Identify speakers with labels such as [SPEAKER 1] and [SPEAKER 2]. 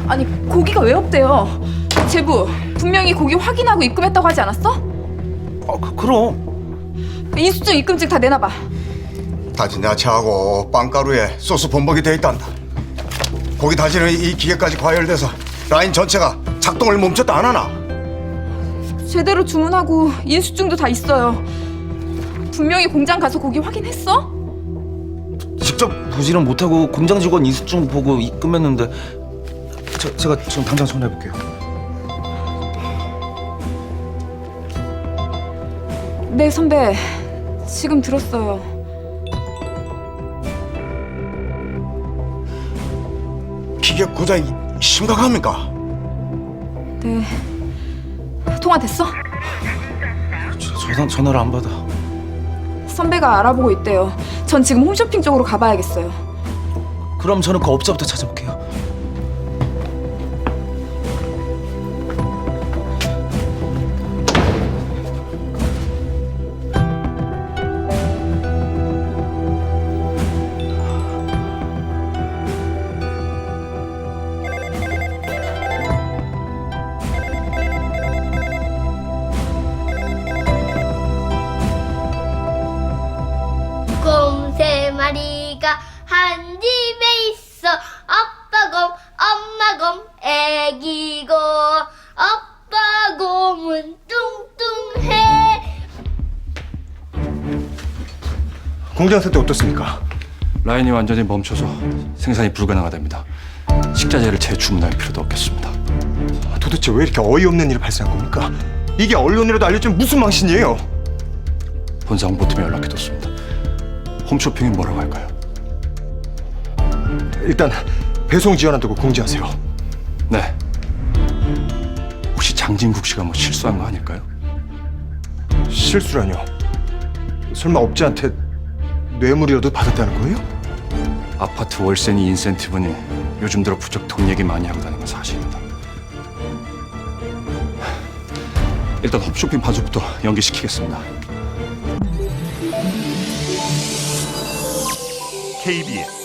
[SPEAKER 1] 아니 고기가 왜 없대요? 제부 분명히 고기 확인하고 입금했다고 하지 않았어?
[SPEAKER 2] 그럼
[SPEAKER 1] 인수증 입금증 다 내놔봐.
[SPEAKER 3] 다진 야채하고 빵가루에 소스 범벅이 돼 있단다. 고기 다지는 이 기계까지 과열돼서 라인 전체가 작동을 멈췄다 안 하나?
[SPEAKER 1] 제대로 주문하고 인수증도 다 있어요. 분명히 공장 가서 고기 확인했어?
[SPEAKER 2] 직접 보지는 못하고 공장 직원 인수증 보고 입금했는데 제가 지금 당장 전화해볼게요.
[SPEAKER 1] 네 선배, 지금 들었어요.
[SPEAKER 3] 기계 고장이 심각합니까?
[SPEAKER 1] 네, 통화 됐어?
[SPEAKER 2] 전화를 안 받아.
[SPEAKER 1] 선배가 알아보고 있대요. 전 지금 홈쇼핑 쪽으로 가봐야겠어요.
[SPEAKER 2] 그럼 저는 그 업자부터 찾아볼게요.
[SPEAKER 4] 곰 세 마리가 한 집에 있어. 아빠 곰, 엄마 곰, 애기 곰. 아빠 곰은 뚱뚱해.
[SPEAKER 5] 공장 상태 어떻습니까?
[SPEAKER 6] 라인이 완전히 멈춰서 생산이 불가능하답니다. 식자재를 재주문할 필요도 없겠습니다.
[SPEAKER 5] 도대체 왜 이렇게 어이없는 일이 발생한 겁니까? 이게 언론이라도 알려주면 무슨 망신이에요?
[SPEAKER 6] 본사 홍보팀에 연락해뒀습니다. 홈쇼핑이 뭐라고 할까요?
[SPEAKER 5] 일단 배송 지연한다고 공지하세요.
[SPEAKER 6] 네. 혹시 장진국 씨가 뭐 실수한 거 아닐까요?
[SPEAKER 5] 실수라뇨? 설마 업자한테 뇌물이라도 받았다는 거예요?
[SPEAKER 6] 아파트 월세니 인센티브니 요즘 들어 부쩍 돈 얘기 많이 하고 다니는 건 사실입니다. 일단 홈쇼핑 반수부터 연기시키겠습니다.
[SPEAKER 7] KBS